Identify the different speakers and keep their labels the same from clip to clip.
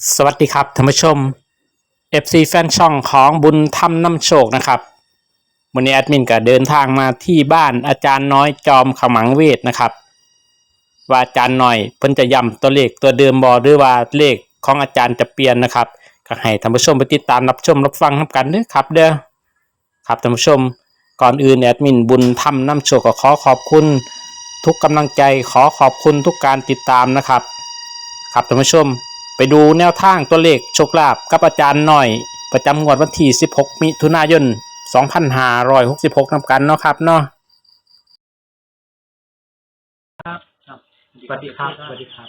Speaker 1: สวัสดีครับท่านผู้ชม FC แฟนช่องของบุญธรรมนำโชคนะครับวันนี้แอดมินก็เดินทางมาที่บ้านอาจารย์น้อยจอมขมังเวทนะครับว่าอาจารย์น้อยเพิ่นจะย้ำตัวเลขตัวเดิมบ่หรือว่าเลขของอาจารย์จะเปลี่ยนนะครับก็ให้ท่านผู้ชมไปติดตามรับชมรับฟังกันเด้อครับเด้อครับท่านผู้ชมก่อนอื่นแอดมินบุญธรรมนำโชคก็ขอขอบคุณทุกกำลังใจขอขอบคุณทุกการติดตามนะครับครับท่านผู้ชม ไปดูแนวทางตัวเลขโชคลาภกับอาจารย์หน่อยประจำงวดวันที่16มิถุนายน2566นำกันเนาะครับเนาะ
Speaker 2: ครับ
Speaker 1: สวัสดีครับสวัสดีครับ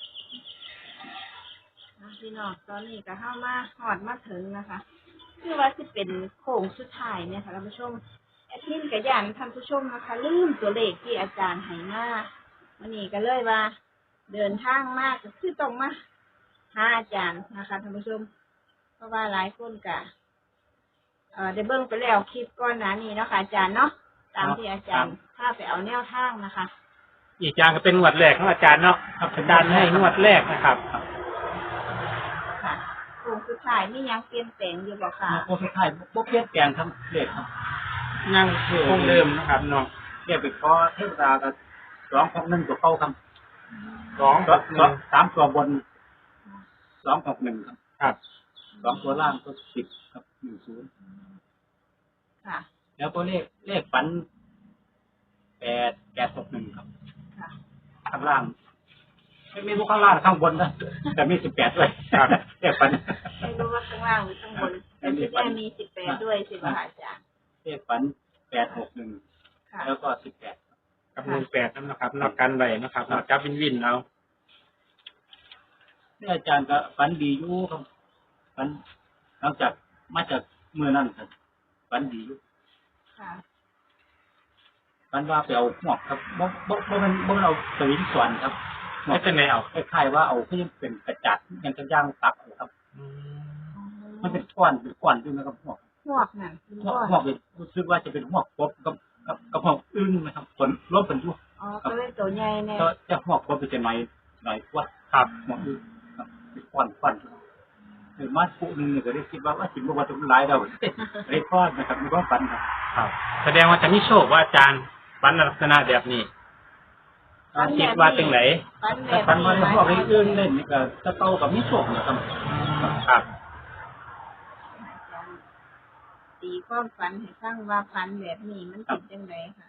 Speaker 3: พี่น้องตอนนี้ก็เข้ามาหอดมาถึงนะคะคือว่าจะเป็นโค้งสุดท้ายเนี่ยค่ะท่านผู้ชมแอดมินกับยันท่านผู้ชมนะคะลืมตัวเลขที่อาจารย์ให้มาวันนี้ก็เลยว่าเดินทางมากก็คือต้องมาหาอาจารย์นะคะท่านผู้ชมเพราะว่าหลายคนก็ได้เบิ่งไปแล้วคลิปก่อนหน้านี้เนาะค่ะอาจารย์เนาะตามที่อาจารย์พาไปเอาแนวทางนะคะ
Speaker 1: อีกอย่างก็เป็นงวดแรกของอาจารย์เนาะครับอาจารย์ให้งวดแรกนะครับ
Speaker 3: ค่ะโค้งสุดท้ายมียังเปลี่ยนแปลงอยู่บ่ค่ะ
Speaker 2: โอ้สุดท้ายบ่เปลี่ยนแปลงครับเลขครับ
Speaker 1: ยังคงเดิมนะครับเนาะ
Speaker 2: เลขไปขอเทวดาก็261ตัวเข้าครับ
Speaker 1: 2
Speaker 2: 3ตัวบน261ครับ
Speaker 1: ครับ
Speaker 2: 2ตัวล่างก็10ครับ10
Speaker 3: ค่ะ
Speaker 2: แล้วก็เลขฝัน861ครับ
Speaker 3: ค่ะ
Speaker 2: ข้างล่างไม่มีพวกข้างล่างข้างบนนะแต่มี18ด้วยครับเลขฝัน
Speaker 3: ไม่รู้ว่าข้างล่างหรือข้างบนมันจะได้มี18ด้วยสิบ่คะอาจารย์
Speaker 2: เลขฝัน861
Speaker 3: ค่ะ
Speaker 2: แล้วก็18
Speaker 1: กับ18นั่นนะครับนอกกันไว้นะครับนอกจับวินเอา
Speaker 2: นี่อาจารย์ก็ฝันดีอยู่ครับฝันหลังจากมาจากเมื่อนั้นครับฝันดีอยู่
Speaker 3: ค่ะ
Speaker 2: ฝันว่าไปเอาหมวกครับบ่มันเอาสวิงสวนครับ
Speaker 1: ไม่เป็นไรเอา
Speaker 2: คล้ายๆว่าเอาก็ยังเป็นกระจัดยังจะย่างตักเอาครับ มันเป็นก้อนด้วยนะครับหมวก
Speaker 3: หมวกนั่นเป็น
Speaker 2: หมว
Speaker 3: ก้
Speaker 2: ก
Speaker 3: อน
Speaker 2: หมวกเป็นรู้สึกว่าจะเป็นหมวกกบกับหมวกอึ้งนะครับผลรบเป็นอยู่
Speaker 3: อ๋อก็เลยตัวใหญ่แน่
Speaker 2: ก็จะหมวกกบเป็นจะหน่อยกว่า
Speaker 1: ครับ
Speaker 2: หมวกอึ้งครับเป็นก้อนหรือมาปุ๊นึงเนี่ยก็ได้คิดว่าสิบ่ว่าจะหลายเราได้ก้อนนะครับมีความฝันครับ
Speaker 1: ครับแสดงว่าจะมีโชคว่าอาจารย์ฝันลักษณะแบบนี้คิดว่าจังไหน
Speaker 3: ฟันแบ
Speaker 2: แต่
Speaker 3: บ
Speaker 2: ฝันว่า
Speaker 3: นี้
Speaker 2: พวกนี้อื่นเล่นนี่ก็จะเต้ากับมีโชคนะครับ
Speaker 1: ครับ
Speaker 3: ตีความฝันให้ฟังว่าฝันแบบนี้มันเป็นจังไดค่ะ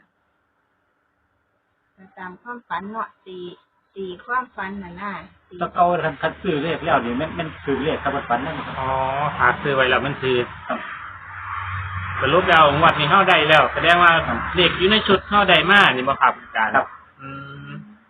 Speaker 3: ตามความฝันเนาะตีความฝันน่ะนะตี
Speaker 2: ถ้าเต้าคันซื้อเลขแล้วนี่มันคือเลขครับฝันนั่นครับ
Speaker 1: อ๋อหาซื้อไว้แล้วมันคือ
Speaker 2: ครับ
Speaker 1: สรุปแล้วงวดนี้เข้าได้แล้ว แสดงว่าเลขอยู่ในชุดเข้าได้มากนี่บ่ครับอาจารย์
Speaker 2: ครับ
Speaker 1: อืม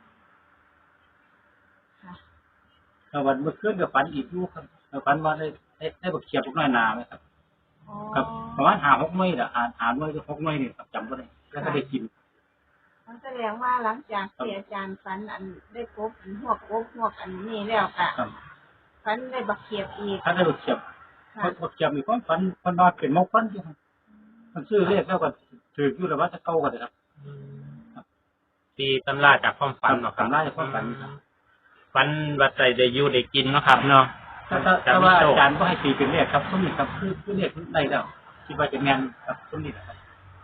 Speaker 3: ค่ะ
Speaker 2: แล้ววันเมื่อคืนก็ฝันอีกอยู่ครับฝันว่าได้บักเขียบพวกน้อยนาไหมครับ
Speaker 3: อ๋อ
Speaker 2: ครับประมาณ5-6 มื้อน่ะ6 มื้อ6 มื้อนี่ครับจำบ่ได้แล้วก็ได้กิน
Speaker 3: มันแสดงว่าหลังจากที่อาจารย์ฝันอันได้พบอันหวกอันนี้แล้วค่ะ
Speaker 2: ครับ
Speaker 3: ฝันได้บักเขียบอีก
Speaker 2: ถ้าได้บักเขียบ
Speaker 3: ค่ะ
Speaker 2: บักเขียบมีความฝันมันว่าเป็นมงคลอยู่ครับมันซื้อเลขแล้วก็ถืออยู่แล้วว่าจะเก่าก็ได้ครับ
Speaker 1: ตีตำราจากความฝันเนาะครับ
Speaker 2: ตำราจากความฝันครับ
Speaker 1: ฝันว่าใจได้อยู่ได้กินเนาะครับเนาะ
Speaker 2: ถ้าว่าอาจารย์ก็ให้ตีเป็นเลขครับส้มนี่ครับคือเลขได้แล้วคิดว่าจะแม่นครับส้มนี่ครับ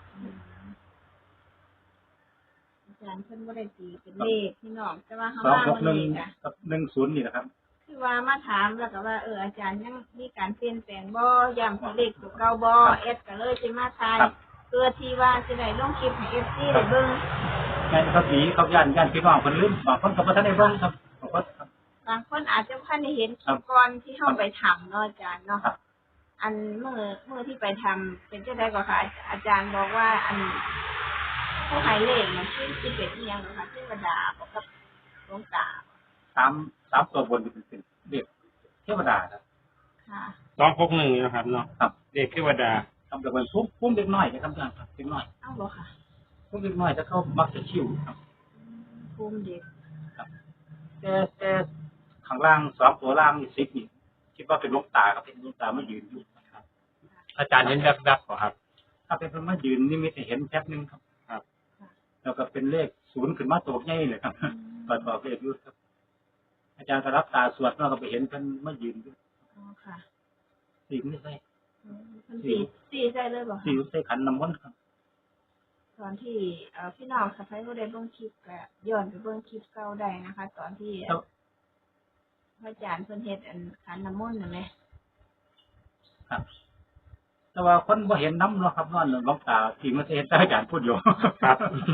Speaker 3: อาจารย์เพิ่นบ่ได้ตีเป็นเลขพี่น้องแต่ว่าเขาว่ามันเลขอ่ะ
Speaker 2: 261กับ10นี่นะครับ
Speaker 3: คือว่ามาถามแล้วก็ว่าอาจารย์ยังมีการเปลี่ยนแปลงบ่ย้ำตัวเลขตัวเก่าบ่เอสก็เลยสิมาทาย
Speaker 2: ครับ
Speaker 3: เพื่อที่ว่าสิได้ลงคลิปให้ FC ได้เบิ่ง
Speaker 2: แม่นเขาผีเขาย่านพี่น้องเพิ่นลืมบางคนก็บ่ทันได้เบิ่งครับบางคนครับ
Speaker 3: บางคนอาจจะบ่ทันได้เห็นค
Speaker 2: ครั
Speaker 3: ลิ
Speaker 2: บ
Speaker 3: ปก่อนที่เฮาไปทำเนาะอาจารย์เนาะ
Speaker 2: ครับ
Speaker 3: อันเมื่อที่ไปทำเป็นจังได๋ก็ค่ะอาจารย์บอกว่าอันผู้ให้เลขมันคือสิเป็นอีหยังเนาะค่ะเทวดาบอกกับหลวงตา
Speaker 2: 3ตัวบนนี่เป็นเลขเทวดาครับ
Speaker 3: ค่ะ
Speaker 1: 261นะครับเนาะ
Speaker 2: ครับ
Speaker 1: เลขเทวดา
Speaker 2: ทำแต่เป็นพุ่มเล็กน้อยนะครับอาจารย์ครับเล็กน้อย
Speaker 3: เอ้าบ่ค่ะ
Speaker 2: พุ่มเล็กน้อยถ้าเขามักจะชิวครับ
Speaker 3: ภูมิเด็ก
Speaker 2: แต่ข้างล่าง2ตัวล่างนี่10นี่คิดว่าเป็นลูกตาครับเป็นลูกตามายืนอยู่นะครับ
Speaker 1: อาจารย์เห็นแวบๆเหรอครับ
Speaker 2: ถ้าเป็นคนมายืนนี่มีแต่เห็นแป๊บนึงครับ
Speaker 1: ครับ
Speaker 2: แล้วก็เป็นเลข0ขึ้นมาตัวใหญ่เลยครับต่อเลขอยู่ครับอาจารย์ก็รับตาสวดเราก็ไปเห็นเพิ่นมายืนอยู่
Speaker 3: อ๋อค่ะ
Speaker 2: สีไม่ใช่
Speaker 3: เพิ่นสี่ใส่เลยบ่
Speaker 2: สี
Speaker 3: คะ
Speaker 2: ใส่ขันน้ำมนต์ครับ
Speaker 3: ตอนที่พี่น้องค่ะใครบ่ได้เบิ่งคลิปก็ย้อนไปเบิ่งคลิปเก่าได้นะคะ ตอนที่พระอาจารย์เพิ่นเฮ็ดอันขันน้ำมนต์นั่นแหละ
Speaker 2: ครับ แต่ว่าคนบ่เห็นน้ำเนาะครับนอนหลวงตาสีมันเห็นแต่อาจารย์พูดอยู่
Speaker 1: ครับ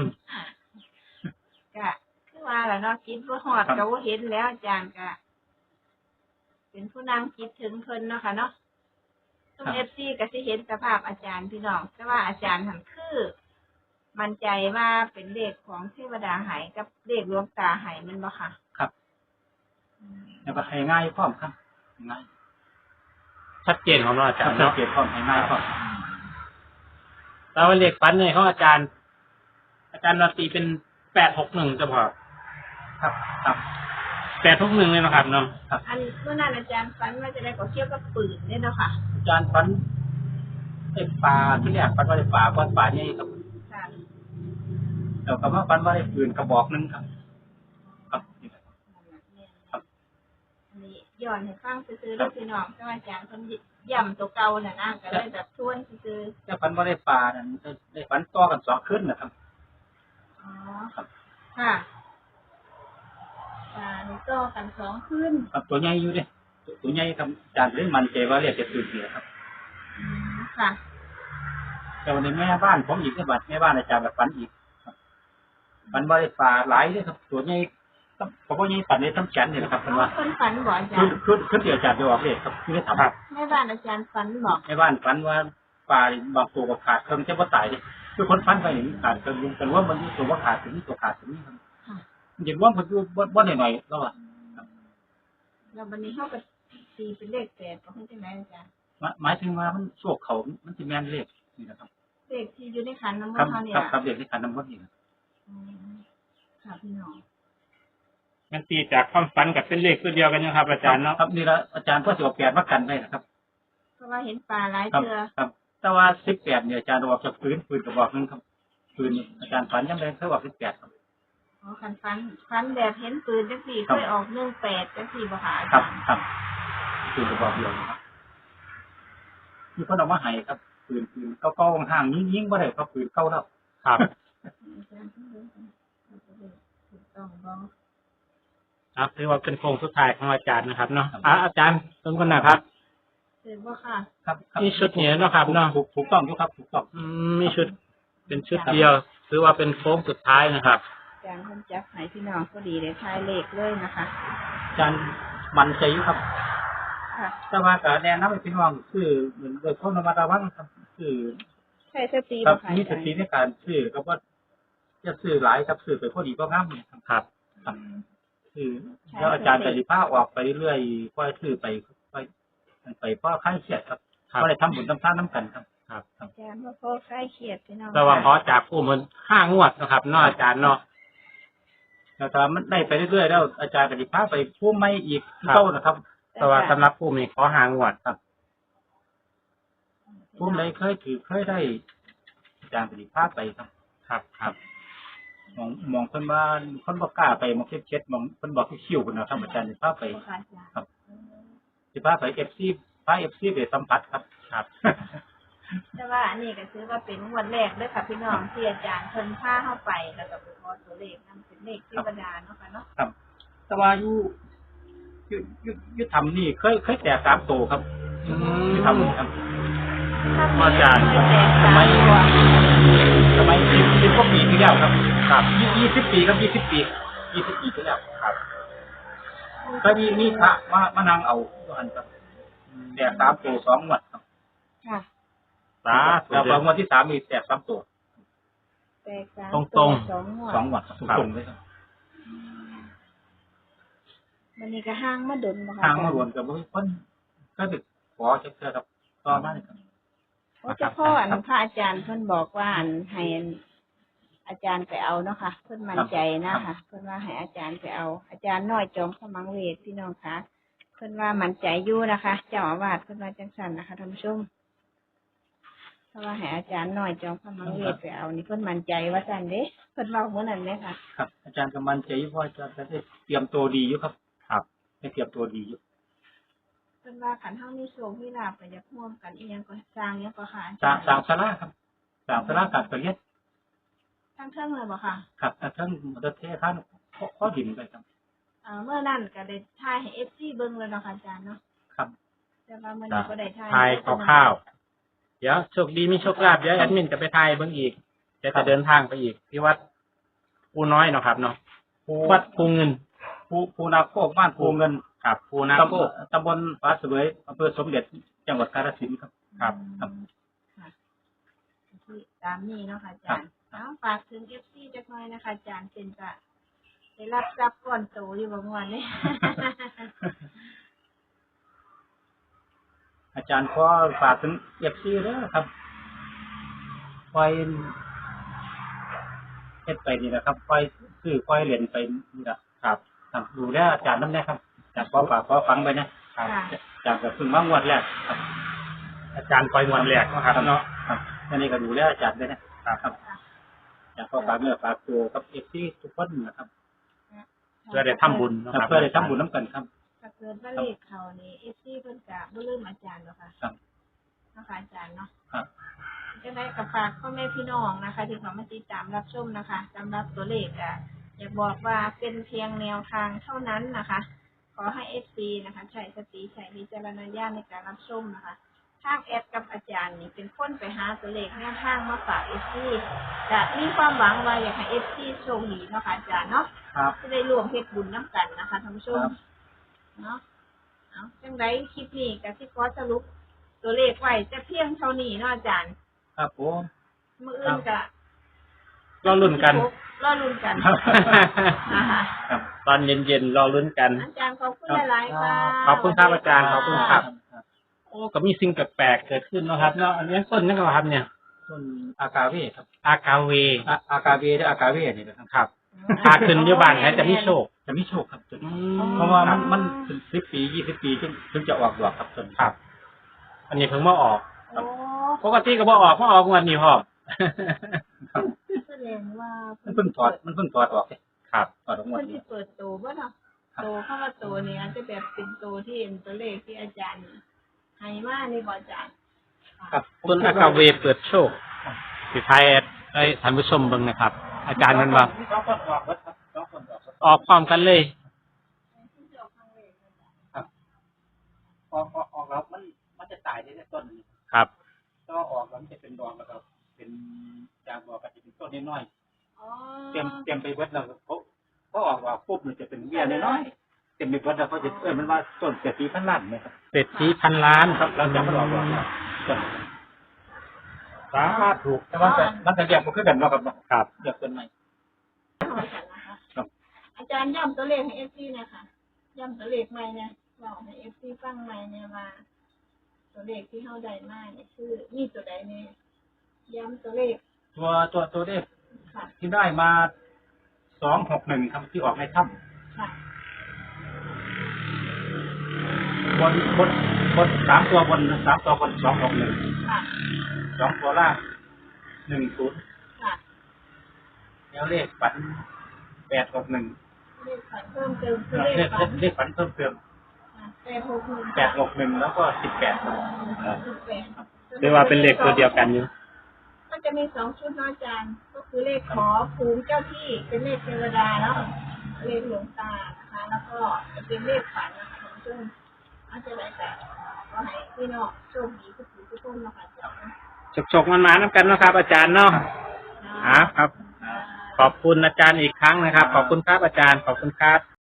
Speaker 3: ก็คือว่าล่ะเนาะคิดบ่ฮอดก็บ่เห็นแล้วอาจารย์ก็เป็นผู้นำคิดถึงเพิ่นเนาะค่ะเนาะทุก FC ก็สิเห็นสภาพอาจารย์พี่น้องแต่ว่าอาจารย์หั่นคือมั่นใจว่าเป็นเลขของเทวดาไหกับเลขหลวงตาไหแมันบ่ค่ะ
Speaker 2: ครับแล้วก็ให้ง่ายพร้อมครับง่าย
Speaker 1: ชัดเจนของเราอาจารย์
Speaker 2: สัง
Speaker 1: เนาะ
Speaker 2: เกตพร้อมให้ง่ายพร้อม
Speaker 1: แต่ว่าเลขฝันเนี่ยของอาจารย์ อาจารย์นาตีเป็น861จะพอ
Speaker 2: ครับครับ
Speaker 1: 861เลยนะครับเนาะ
Speaker 3: อันเมื่อนั้นอาจารย์ฝันว่าจะได้ก็เกี่ยวกับปืนเนี่ยเนาะค่ะ
Speaker 2: อาจารย์ฟันไอ้ปลาที่แรกฟันว่าได้ปลาก้อนปลาใหญ่ครับ
Speaker 3: ค่ะ
Speaker 2: แต่ก็มาฟันว่าได้ปืนกระบอกหนึงครับ ครับ ครับ
Speaker 3: อันนี้ย้อนให้ฟังซื่อๆแล้วพี่น้องแต่ว่าอาจารย์เพิ่นย่ำตัวเก่าน่ะนะก็เลยแบบทวนซื่อ
Speaker 2: แต่ฟันว่าได้ปลานั้นได้ฟันต่อกัน2คืนนะครับ
Speaker 3: ๆอ๋อ
Speaker 2: ครับ
Speaker 3: ค่ะนี่ต่อกัน2คืน
Speaker 2: ครับตัวใหญ่อยู่เด้ตัวใหญ่ครับอาจารย์เลยมั่นใจว่าเรียกจะตื่นเสียครับ
Speaker 3: ค่ะ
Speaker 2: แต่วันนี้แม่บ้านผมอีกในบัดแม่บ้านอาจารย์แบบฝันอีกครับฝันว่าได้ปลาหลายเลยครับตัวใหญ่ครับเพราะว่าใหญ่ปันในต้นแขนนี่แหละครับเพิ่นว่า
Speaker 3: เพิ่นฝันบ่อาจาร
Speaker 2: คือ
Speaker 3: ย์
Speaker 2: ที่อาจารย์จะบอกเลยครับคือได้ทำ
Speaker 3: แม่บ้านอาจารย์ฝันบอก
Speaker 2: แม่บ้านฝันว่าปลาบางตัวก็ขาดเครื่องจะบ่ตายเลยคือคนฝันไปอย่างนี้ขาดเครื่องลุงกันว่ามันมีตัวว่าขาดถึงนี้ตัวขาดถึงนี้ครับ
Speaker 3: ค่ะ
Speaker 2: เห็นว่ามันคือบ่หน่อยๆแล้วอ่ะ
Speaker 3: แล้ววันนี้เฮาก็ตีเป็นเลข8บ่ฮู้จังได๋อาจารย์
Speaker 2: หมายถึงว่ามันโชคเขามันสิแม่นเลขนี่นะครับ
Speaker 3: เลขที่อยู่ในขันน้ำมน
Speaker 2: ครับ
Speaker 3: ต์เฮานี่
Speaker 2: ครับ
Speaker 3: ล่ะ
Speaker 2: ครับเลขที่ขันน้ำมนต์นี่ครับ
Speaker 3: อืมค่ะพี่น้อง
Speaker 1: มันตีจากความฝันกับเป็นเลขตัวเดียวกันนะครับ อาจารย์เนาะ
Speaker 2: ครับนี่ละอาจารย์ก็สิเอาแปดมากันได้นะครับ
Speaker 3: เพราะว่าเห็นปลาหลาย
Speaker 2: ครับ
Speaker 3: เทื่อ
Speaker 2: ครับแต่ว่า18เนี่ยอาจารย์บอกจากปืนกระบอกนึงครับปืนอาจารย์ฝันยังไงเคยบอก18ครับ
Speaker 3: อ๋อคันฟันแบบเห็นปืนจังสี่
Speaker 2: ครั
Speaker 3: เค
Speaker 2: บ
Speaker 3: ยออก18จังสี่บ่ค่ะอา
Speaker 2: ครั
Speaker 3: จา
Speaker 2: บ
Speaker 3: รย์
Speaker 2: ครับปืนกระบอกเดียวนะครับมีคนเอามาให้ครับปืนเก่าๆห่างๆยิงบ่ได้ครับปืนเก่าแล้ว
Speaker 1: ครับ
Speaker 3: อาจารย์ถูกต้องบ่
Speaker 1: ครับถือว่าเป็นโครงสุดท้ายของอาจารย์นะครับเนาะอาจารย์ทุกคนนะครับ
Speaker 3: ถูกบ่ค่ะ
Speaker 2: ครับครับ
Speaker 1: มีชุดนี้เนาะครับเนาะ
Speaker 2: ถูกต้องอยู่ครับถูกต้อง
Speaker 1: มีชุด เป็นชุดเดียว ถือว่าเป็นโค้งสุดท้ายนะครับ
Speaker 3: อาจารย์เพิ่นจับให้พี่น้องพอดีได้ทายเลขเลยนะคะ
Speaker 2: อาจารย์มันใจอยู่ครับ
Speaker 3: ค่ะ
Speaker 2: แต่ว่าก็แนะนำให้พี่น้องคือเหมือนโดยคนระมัดระวังครับคือ
Speaker 3: ใช่สติ
Speaker 2: ครั
Speaker 3: บ่
Speaker 2: บ
Speaker 3: ค่ะ
Speaker 2: มี
Speaker 3: อา
Speaker 2: ส
Speaker 3: จารย์
Speaker 2: ติในการซื้อครับว่าจะซื้อหลายครับซื้อไปพอดีก็งามเลยครับ
Speaker 1: ครับ
Speaker 2: ครับคือแล้วอาจารย์จะสิพาออกไปเรื่อยค่อยซื้อไปเพราะค่ายเครียดครับ
Speaker 1: ครับ
Speaker 2: ก็เลยทำบุญทำทานน้ำกันครับ
Speaker 1: ครับ
Speaker 3: อาจารย์ว่าพ่อใกล้เขียดพี่น้อง
Speaker 1: แต่ว่าขอจากผู้มัน5 งวดนะครับเนาะอาจารย์เนาะ
Speaker 2: แล้วถ้ามันได้ไปเรื่อยๆแล้วอาจารย์ก็สิพาไปผู้ไม่อีก
Speaker 1: ครับ
Speaker 2: เต้านะครับ
Speaker 1: แต่ว่าสำหรับผู้มีขอ5 งวด
Speaker 2: ครับผู้ใดเคยได้อาจารย์ก็สิพาไปครับ
Speaker 1: ครับ ครับ
Speaker 2: มองคนบ้านคนบ่กล้าไปมองเช็ดๆมองคนบอกคิ้วๆคนนะครับอาจารย์สิพาไป
Speaker 3: บ่ค่ะอาจารย์
Speaker 2: ครับ สิพาไปพา FC ไปสัมผัสครับ
Speaker 1: ครับ
Speaker 3: แต่ว่าอันนี้ก็ถือว่าเป็นงวดแรกเด้อค่ะพี่น้องที่อาจารย์เพิ่นพาเข้าไปแล้วก็ไปขอตัวเลขนำเป็นเลขเทวดาเนาะค่ะเนาะ
Speaker 2: ครับ แต่ว่าอยู่ทำนี่เคยแตก3ตัวครับอยู่ทำนี่ครับ
Speaker 1: อาจารย์
Speaker 3: ไม่แตกต่างตัว
Speaker 2: สมัย10กว่าปีที่แล้วครับครับ20ปีครับ20ปีที่แล้วครับก็มีพระมานั่งเอาอันครับแตก3ตัว2งวดครับ
Speaker 3: ค่ะ
Speaker 1: สาธุ
Speaker 2: แล้วพองวดที่3มีแตก3ตัว
Speaker 3: แตกต่าง
Speaker 1: ตรงๆ
Speaker 3: สองงวด
Speaker 2: 2งวดครับตรงๆเลยครับ
Speaker 3: วันนี้ก็ห้างมาดนบ่ค่ะ
Speaker 2: ทางมารวมกับเพิ่นก็ติดขอเชื่อครับต่อมาเลยครับ
Speaker 3: เพราะเจ้าพ่ออันพระอาจารย์เพิ่นบอกว่าอันให้อาจารย์ไปเอาเนาะค่ะเพิ่นมั่นใจนะคะเพิ่นว่าให้อาจารย์ไปเอา อาจารย์น้อยจอมขมังเวทพี่น้องคะเพิ่นว่ามั่นใจอยู่นะคะ เจ้าอาวาสเพิ่นว่าจังซั่นนะคะท่านผู้ชมเพราะว่าให้อาจารย์น้อยจอมขมังเวทไปเอานี่เพิ่นมั่นใจว่าซั่นเด้เพิ่นเว้าเหมือนนั้นไหมคะ
Speaker 2: ครับ อาจารย์ก็มั่นใจอยู่เพราะอาจารย์ก็ได้เตรียมตัวดีอยู่ครับ
Speaker 1: ครับ
Speaker 2: ได้เตรียมตัวดีอยู่
Speaker 3: เป็นว่าขันเท่ามีโชคมีลาภก็อยากร่วมกันอีกอย่างก็สร้างอย่างก็ค่ะ
Speaker 2: สร้างศาลาครับสร้างศาลาการประเรียน
Speaker 3: ทั้งเทิงเลยบ่ค่ะ
Speaker 2: ครับทั้งมอเตอร์เทท่านข้อดินไปครับ
Speaker 3: เมื่อนั้นก็ได้ถ่ายให้ FC เบิ่งแล้วเนาะค่ะอาจารย์เนาะ
Speaker 2: ครับ
Speaker 3: แต่ว่ามื้อนี้ก็ได้ถ่าย
Speaker 1: ทายคร่าวๆเดี๋ยวโชคดีมีโชคลาภเดี๋ยวแอดมินจะไปทายเบิ่งอีกจะเดินทางไปอีกที่วัดภูน้อยเนาะครับเนาะวัดภูเงิน
Speaker 2: ภูนาโคกบ้านภูเงิน
Speaker 1: ครับภูนาโคก
Speaker 2: ตำบลฟ้าเสวยอำเภอสมเด็จจังหวัดกาฬสินธุ์ครับ
Speaker 1: ครับ
Speaker 2: ครับ
Speaker 3: ค่ะที่ตามนี้เนาะค่ะอาจารย์ฝากถึง FC จักหน่อยนะคะอาจารย์เป็นจะได้รับทรัพย์ก่อนโตอยู่บ่ม่วนนี่
Speaker 2: อาจารย์ขอฝากถึงFC เด้อครับปล่อยเฮ็ดไปนี่นะครับปล่อยซื้อปล่อยเหรียญไปนี่ล่ะ
Speaker 1: ครับ
Speaker 2: ครับดูแลอาจารย์นำแน่ครับอาจารย์ขอฝากขอฟังไปนะครับ
Speaker 3: ค่ะ
Speaker 2: อาจารย์ก็เพิ่งมางวดแรกครับ
Speaker 1: อาจารย์ปล่อยมวลแหลกเนาะครับเนาะ
Speaker 2: ครับอันนี้ก็ดูแลอาจารย์ด้วยนะครับอยากขอฝากเนื้อฝากตัวกับ FC ทุกคนนะครับ
Speaker 1: เพื่อได้ทำบุญเนาะครับ
Speaker 2: เพื่อได้ทำบุญน้ำกันครับ
Speaker 3: ถ้าเกิดว่าเลขเขานี่ FC เพิ่นก็บ่ลืมอาจารย์หรอกค่ะ
Speaker 2: ครับ
Speaker 3: เนาะค่ะอาจารย์เนาะ
Speaker 2: ครับ
Speaker 3: จะได้กับฝากพ่อแม่พี่น้องนะคะ ที่เขามาติดตามรับชมนะคะสำหรับตัวเลขอยากบอกว่าเป็นเพียงแนวทางเท่านั้นนะคะ ขอให้ FC นะคะใช้สติใช้วิจารณญาณในการรับชมนะคะทางแอดกับอาจารย์นี่เป็นคนไปหาตัวเลขแนวทางมาฝาก FC จะมีความหวังว่าอยากให้ FC โชคดีเนาะค่ะอาจารย์เนาะ
Speaker 2: ครับ
Speaker 3: จะได้ร่วมเฮ็ดบุญน้ำกันนะคะท่านผู้ชม
Speaker 2: ครับ
Speaker 3: เนาะเอาจังไดคลิปนี้ก็สิขอสรุปตัวเลขไว้จะเพียงเท่านี้เนาะอาจารย์
Speaker 2: ครับผม
Speaker 3: มื้ออื่นก็
Speaker 1: รอลุ้นกัน
Speaker 3: รอลุ้นกัน นะคะ
Speaker 2: ครับ
Speaker 1: ตอนเย็นๆรอลุ้นกัน
Speaker 3: อาจารย์ขอบคุณหลายๆค่ะ
Speaker 1: ขอบคุณครับอาจารย์ขอบคุณครับ โอ้ก็มีสิ่งแปลกๆเกิดขึ้นเนาะครับเนาะอันนี้ต้นนี่ก็ครับเนี่ย
Speaker 2: ต้นอากาเวครับ
Speaker 1: อากาเว
Speaker 2: อากาเวหรืออากาเวนี่นะครับ
Speaker 1: ครับถ้าขึ้นอยุบานแท้จะมีโชค
Speaker 2: จะมีโชคครับต้น
Speaker 1: อื
Speaker 2: เพราะว่ามันเป็น10 ปี20 ปีถึงจะออกดอกครับต้น
Speaker 1: ครับ อันนี้เพิ่งมาออก
Speaker 3: โอ้
Speaker 1: ปกติก็บ่ออกมาออกวันนี้พร้อม
Speaker 3: แสดงว่า
Speaker 2: มันเพิ่งถอดออกเลย
Speaker 1: ครับ
Speaker 2: ถอดออกหมด
Speaker 3: เพิ่น
Speaker 2: นี่
Speaker 3: สิเปิดโตบ่เนาะ
Speaker 2: ครับ
Speaker 3: โตเข้ามาโตนี่อาจจะแบบเป็นโตที่เป็นตัวเลขที่อาจารย์ให้มานี่บ่อาจารย์
Speaker 2: ครับ
Speaker 1: ต้นอากาเวเปิดโชคสิทายแอดให้ท่านผู้ชมเบิ่งนะครับ อาจารย์มันว่า
Speaker 2: มี2คนออกครับ2คนออกครับ
Speaker 1: ออกพร้อมกันเลย
Speaker 2: ออกแล้วมันจะตายในต้นนี้
Speaker 1: ครับ
Speaker 2: ก็ออกแล้วมันจะเป็นดอกแล้วก็เป็นจางดอกก็จะเป็นต้นน้อย
Speaker 3: อ๋อ
Speaker 2: ๆเตรียมไปเบิดแล้วเขาออกว่าปุ๊บมันจะเป็นเบี้ยน้อยๆเต็มไปเบิดแล้วเขาจะมันว่าต้นเศรษฐีพันล้านนะครับ
Speaker 1: เศรษฐีพันล้าน
Speaker 2: ครับเราจะไม่ออกว่าต้น
Speaker 1: สาธุ
Speaker 2: แต่ว่ามันจะเรียกมันคือกันเนาะครับเนาะ
Speaker 1: ครับ
Speaker 2: เรียกต้นใหม่ ครับ
Speaker 3: อาจารย์ย้ำตัวเลขให้ FC นะคะย้ำตัวเลขใหม่เนี่ยเราให้ FC ฟังใหม่เนี่ยว่าตัวเลขที่เฮาได้มาเนี่ยคือมีตัวใดแน่ย้ำตัวเลข
Speaker 2: ตัวเลข
Speaker 3: ค่ะ
Speaker 2: ที่ได้มา261ครับที่ออกในถ้
Speaker 3: ค่ะ
Speaker 2: ำบน3ตัวบน3ตัวบน261
Speaker 3: ค่ะ
Speaker 2: 2ตัวล่าง10
Speaker 3: ค่ะ
Speaker 2: แล้วเลขฝัน861
Speaker 3: เลขฝันเพิ่มเติมคือเลขฝัน
Speaker 2: เลขฝันเพิ่มเติม
Speaker 3: 861
Speaker 2: แล้วก็18ครับ
Speaker 1: หรือว่าเป็นเลขตัวเดียวกันอยู่
Speaker 3: มันจะมี2ชุดเนาะอาจารย์ ก็คือเลขขอภูมิเจ้าที่เป็นเลขเทวดาเนาะเลขหลวงตานะคะ แล้วก็จะเป็นเลขฝันนะคะซึ่งอาจจะได้แต่ก็ให้พี่น้องโชคดีทุกคนนะคะอาจารย์นะ
Speaker 1: ฉกๆมันมาน้ำกันเนาะครับ อาจารย์เนาะครับ ขอบคุณอาจารย์อีกครั้งนะครับ ขอบคุณครับอาจารย์ ขอบคุณครับ